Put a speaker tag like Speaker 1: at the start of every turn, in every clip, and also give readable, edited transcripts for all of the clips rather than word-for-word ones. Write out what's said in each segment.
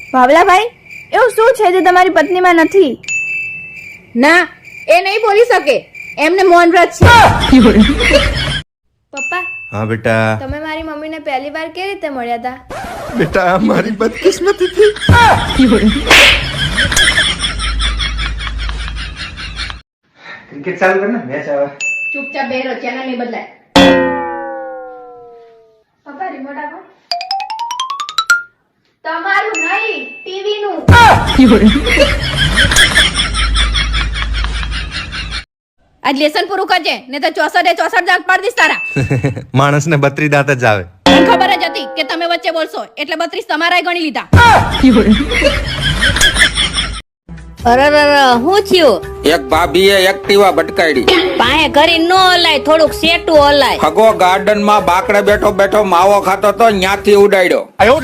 Speaker 1: ભાવલાભાઈ, એવું શું છે જે તમારી પત્નીમાં નથી?
Speaker 2: ના, એ નહીં બોલી શકે. એમને મૌન વ્રત છે.
Speaker 1: પપ્પા,
Speaker 3: हाँ बेटा।
Speaker 1: તમે મારી મમ્મીને પહેલી વાર કેવી રીતે મળ્યા હતા?
Speaker 3: बेटा हमारी बदकिस्मती थी। क्रिकेट चालू करना, मैच आवा।
Speaker 2: ચૂપચાપ બેરો, ચેનલ નહીં બદલાય.
Speaker 1: પપ્પા, રિમોટ આપો. તમારું નહીં, ટીવી નું.
Speaker 2: આજ લેસન પૂરું કરજે, ને તો 64 દાંત પાડી દઈશ તારા.
Speaker 3: માણસ ને 32 દાંત જ આવે.
Speaker 2: મને ખબર જ હતી કે તમે વચ્ચે બોલશો, એટલે 32 તમારાય ગણી લીધા.
Speaker 4: અરે હું થયું?
Speaker 5: એક ભાભીએ એક્ટિવા ભટકાડી.
Speaker 4: પાએ કરી નો હલાય, થોડુંક સેટું હલાય.
Speaker 5: હગો ગાર્ડન માં બાકડે બેઠો બેઠો માવો ખાતો તો ન્યાથી ઉડાડ્યો.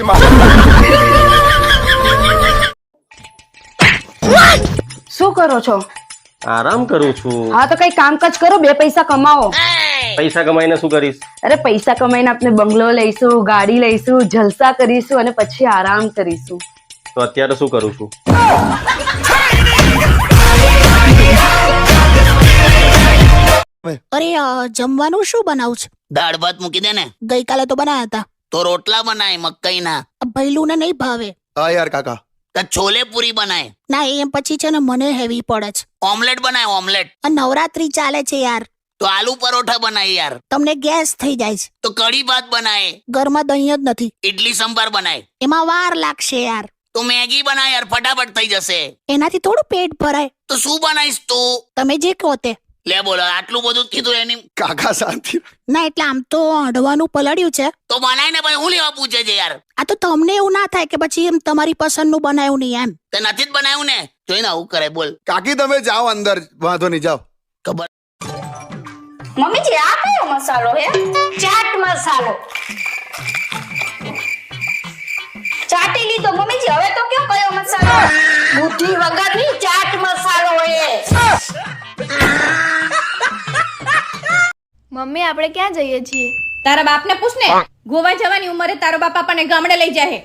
Speaker 6: શું કરો છો?
Speaker 7: આરામ કરું છું.
Speaker 6: હા તો કઈ કામકાજ કરો, 2 પૈસા કમાવો.
Speaker 7: પૈસા કમાઈને શું કરીશ?
Speaker 6: અરે પૈસા કમાઈને આપણે બંગલો લઈશું, ગાડી લઈશું, જલસા કરીશું અને પછી આરામ કરીશું.
Speaker 7: તો અત્યારે શું કરું છું?
Speaker 8: અરે જમવાનું શું બનાવું છે?
Speaker 9: દાળ ભાત મૂકી દે ને.
Speaker 8: ગઈકાલે તો બનાયા હતા.
Speaker 9: તો રોટલા બનાય મકઈના.
Speaker 8: ભૈલું ને નહીં ભાવે.
Speaker 3: હા યાર કાકા.
Speaker 9: તો છોલે પૂરી બનાય.
Speaker 8: ના એમ પછી છે ને મને હેવી પડે છે.
Speaker 9: ઓમલેટ બનાય ઓમલેટ.
Speaker 8: આ નવરાત્રી ચાલે છે યાર.
Speaker 9: તો આલુ પરોઠા બનાય યાર.
Speaker 8: તમને ગેસ થઈ જાય છે.
Speaker 9: તો કઢી ભાત બનાય.
Speaker 8: ઘરમાં દહીં જ નથી.
Speaker 9: ઇડલી સંભાર બનાય.
Speaker 8: એમાં વાર લાગશે યાર.
Speaker 9: તો મેગી બનાય યાર, ફટાફટ થઈ જશે.
Speaker 8: એનાથી થોડું પેટ ભરાય.
Speaker 9: તો શું બનાવીશ તું?
Speaker 8: તમે જે કહો તે.
Speaker 9: લે બોલો, આટલું બધું કીધું એની.
Speaker 3: કાકા શાંતિ.
Speaker 8: ના એટલે આમ તો અડવાનું પલળ્યું છે.
Speaker 9: તો બનાય ને ભાઈ, હું લેવા પૂછે છે યાર.
Speaker 8: આ તો તમને એવું ના થાય કે પછી એમ તમારી પસંદનું બનાવ્યું નહીં એમ.
Speaker 9: તે નથી જ બનાવ્યું ને, જોઈને આવું કરે. બોલ
Speaker 3: કાકી તમે જાઓ અંદર, વાંધો નહીં, જાઓ.
Speaker 9: ખબર.
Speaker 4: મમ્મીજી આ કયો મસાલો હે? ચાટ મસાલો. ચાટી લીધો મમ્મીજી, હવે તો કયો કયો મસાલો? બુદ્ધિ વગરની ચાટ મસાલો હે.
Speaker 1: મમ્મી, આપણે ક્યાં જઈએ છીએ?
Speaker 2: તારા બાપને પૂછ ને. ગોવા જવાની ઉંમરે તારો બાપ આપણને ગામડે લઈ જાય.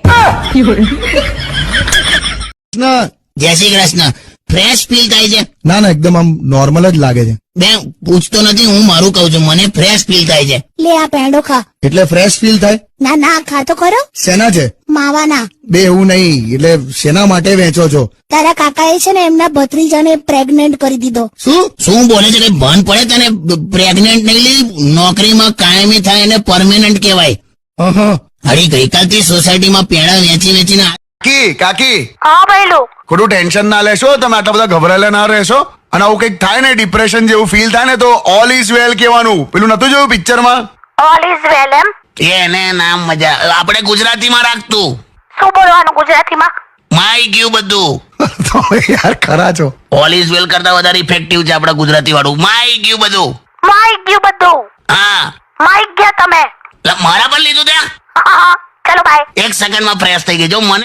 Speaker 9: જય શ્રી કૃષ્ણ. ફ્રેશ ફીલ થાય છે?
Speaker 10: ના ના, એકદમ આમ નોર્મલ જ લાગે છે.
Speaker 9: બેન પૂછતો નથી, હું મારું કહું છું. મને ફ્રેશ ફીલ થાય છે.
Speaker 8: લે આ પેંડો ખા.
Speaker 10: એટલે ફ્રેશ ફીલ થાય?
Speaker 8: ના ના ખા તો ખરો.
Speaker 10: શેના છે?
Speaker 8: માવાના.
Speaker 10: બે એવું નહીં, એટલે શેના માટે વેચો છો?
Speaker 8: તારા કાકાએ છે ને એમના ભત્રીજાને પ્રેગ્નેન્ટ કરી દીધો.
Speaker 9: શું શું બોલે છે? કઈ ભાન પડે તને? પ્રેગ્નેન્ટ નહીં લી, નોકરીમાં કાયમી થાય એને પરમેનન્ટ કહેવાય. હરી ગઈકાલથી સોસાયટીમાં પેડા વેચી વેચીને.
Speaker 3: કાકી.
Speaker 4: હા ભૈલું.
Speaker 3: ખોટું ટેન્શન ના લેશો, તમે આટલા બધા ગભરાયેલા ના રહેશો. અને આવું કંઈક થાય ને, ડિપ્રેશન જેવું ફીલ થાય ને, તો ઓલ ઇઝ વેલ કહેવાનું. પેલું નતું જોયું પિક્ચરમાં?
Speaker 4: ઓલ ઇઝ વેલ એમ?
Speaker 9: એને નામ મજા. આપણે ગુજરાતીમાં રાખતું.
Speaker 4: શું બોલવાનું ગુજરાતીમાં?
Speaker 9: માઈ ગયું બધું.
Speaker 3: તો યાર ખરા છો.
Speaker 9: ઓલ ઇઝ વેલ કરતા વધારે ઇફેક્ટિવ છે આપણા ગુજરાતી વાળું. માઈ ગયું બધું.
Speaker 4: માઈ ગયું બધું.
Speaker 9: હા,
Speaker 4: માઈ ગયા તમે.
Speaker 9: મારા પર લીધું ત્યાં.
Speaker 4: ચલો બાય.
Speaker 9: 1 સેકન્ડમાં ફ્રેશ થઈ ગઈ. જો મને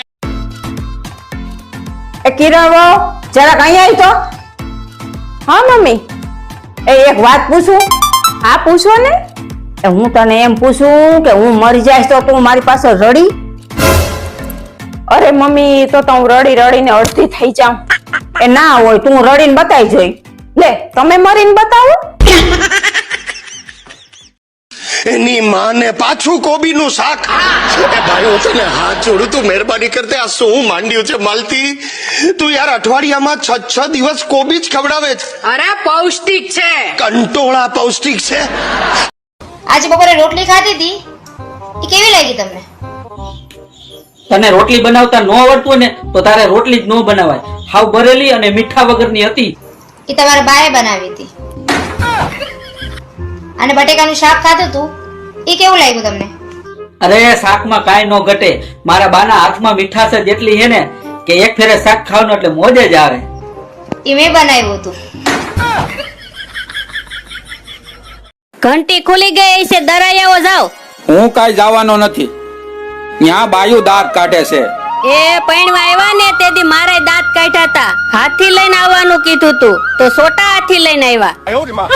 Speaker 6: એ કિરણો જરાક અહીંયા આવી તો. હા મમ્મી, એક વાત પૂછું? હા પૂછો ને. હું તને એમ પૂછું કે હું મરી જાય તો તું મારી પાસે રડી? અરે મમ્મી, તો હું રડી રડીને અડધી થઈ જાઉં. એ ના હોય, તું રડીને બતાવી જોઈ. લે તમે મરીને બતાવો.
Speaker 10: એની માને પાછું કોબીનું શાક. એ ભાઈ હું તને હાથ જોડું, તું મહેરબાની કરતે આ શું માંડ્યું છે માલતી? તું યાર અઠવાડિયામાં 6 દિવસ કોબી જ ખવડાવે છે.
Speaker 2: અરે પૌષ્ટિક છે.
Speaker 10: કંટોળા પૌષ્ટિક છે.
Speaker 4: આજે બપોરે રોટલી ખાધી હતી, એ કેવી લાગી તમને?
Speaker 11: તને રોટલી બનાવતા ન આવડતું ને તો તારે રોટલી જ ન બનાવાય. હાવ ભરેલી અને મીઠા વગરની હતી.
Speaker 4: એ તમારા બાએ બનાવી હતી. અને બટેકાનું શાક ખાધું તું, એ કેવું લાગ્યું તમને?
Speaker 11: અરે શાકમાં કાંઈ ન ઘટે. મારા બાના હાથમાં મીઠાશ જ એટલી છે ને કે એક ફેરે શાક ખાવાનું એટલે મોજ જ આવે.
Speaker 4: એ મેં બનાવ્યું હતું.
Speaker 8: ઘંટી ખુલી ગઈ છે, દરાઈ આવો જાઓ.
Speaker 5: હું કાંઈ જવાનો નથી. ત્યાં બાયુ દાંત કાઢે છે.
Speaker 8: એ પૈણવા આવ્યા ને તેથી મારે દાંત કાઢ્યા હતા. હાથી લઈને આવવાનું કીધું તું તો સોટા હાથી લઈને આવ્યા.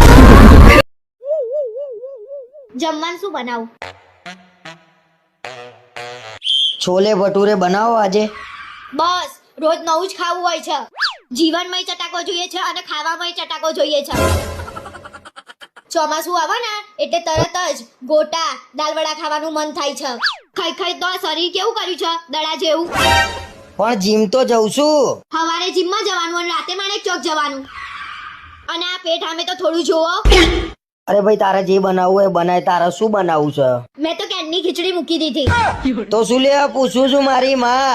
Speaker 4: જમવાનું શું બનાવું?
Speaker 12: છોલે ભટુરે બનાવો આજે.
Speaker 4: બસ રોજ નવું જ ખાવું હોય છે. જીવનમાંય ચટાકો જોઈએ છે અને ખાવામાંય ચટાકો જોઈએ છે. ચોમાસું આવે ને એટલે તરત જ ગોટા દાલવડા ખાવાનું મન થાય છે. ખાઈ ખાઈ તો આ શરીર કેવું કર્યું છે દડા જેવું.
Speaker 12: પણ જીમ તો જઉં છું.
Speaker 4: સવારે જીમમાં જવાનું અને રાતે માણેક ચોક જવાનું. અને આ પેટ સામે તો થોડું જોવો.
Speaker 12: અરે ભાઈ તારે જે બનાવવું હોય બનાય. તારે શું બનાવવું છે?
Speaker 4: મેં તો કેનની ખીચડી મૂકી દીધી.
Speaker 12: તો શું લે પૂછું છું મારી માં.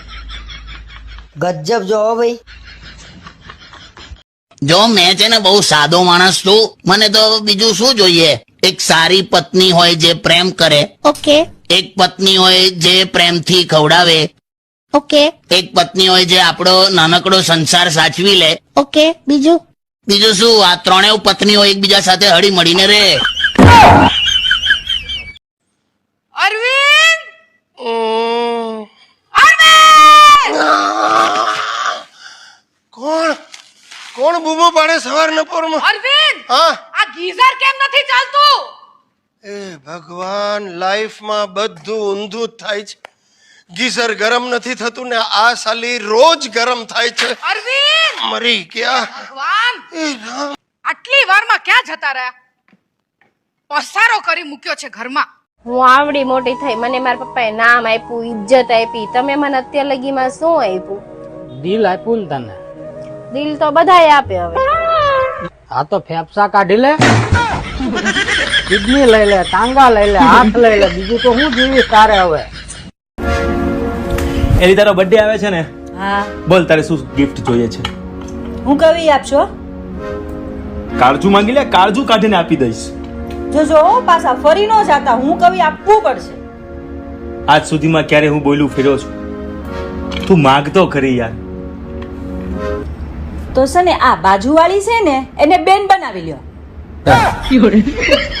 Speaker 12: ગજબ જો ભાઈ.
Speaker 9: જો મેં છે ને બહુ સાદો માણસ છું, મને તો બીજું શું જોઈએ? એક સારી પત્ની હોય જે પ્રેમ કરે.
Speaker 4: ઓકે.
Speaker 9: એક પત્ની હોય જે પ્રેમથી ખવડાવે.
Speaker 4: ઓકે.
Speaker 9: એક પત્ની હોય જે આપણો નાનકડો સંસાર સાચવી લે.
Speaker 4: ઓકે. બીજું
Speaker 9: શું? આ ત્રણેય પત્નીઓ એકબીજા સાથે હળી મળીને રહે.
Speaker 2: અરવિંદ!
Speaker 10: કોણ કોણ બૂમો પાડે સવારના પોરમાં?
Speaker 2: અરવિંદ!
Speaker 10: હા
Speaker 2: આ ગીઝર કેમ નથી ચાલતું?
Speaker 10: એ ભગવાન, લાઈફમાં બધું ઊંધું જ થાય છે. ગીઝર ગરમ નથી થતું ને આ સાલી રોજ ગરમ થાય છે.
Speaker 2: અરવિંદ!
Speaker 10: મરી ગયા.
Speaker 2: ભગવાન!
Speaker 10: એ રામ.
Speaker 2: આટલી વારમાં ક્યાં જતા રહ્યા? પસારો કરી મૂક્યો છે ઘરમાં.
Speaker 1: હું આવડી મોટી થઈ, મને મારા પપ્પાએ નામ આપ્યું, ઇજ્જત આપી. તમે મને અત્યાર લગીમાં શું આપ્યું?
Speaker 11: દિલ આપ્યું ને તને.
Speaker 1: દિલ તો બધાએ આપે. હવે
Speaker 11: આ તો ફેફસા કાઢી લે, કિડની લઈ લે, ટાંગા લઈ લે, હાથ લઈ લે, બીજું તો હું જીવીશ તારે હવે.
Speaker 7: એની તારો બર્થડે આવે છે ને,
Speaker 6: હા,
Speaker 7: બોલ તારે શું ગિફ્ટ જોઈએ છે?
Speaker 6: હું કવી આપશો?
Speaker 7: કાળજુ માંગી લે, કાળજુ કાઢીને આપી દઈશ.
Speaker 6: જો પાછા ફરી ન જાતા, હું કવી આપવું પડશે.
Speaker 7: આજ સુધીમાં ક્યારે હું બોલ્યું ફેર્યો છું? તું માગતો ખરી યાર.
Speaker 6: તો છે ને આ બાજુવાળી છે ને એને બેન બનાવી લ્યો.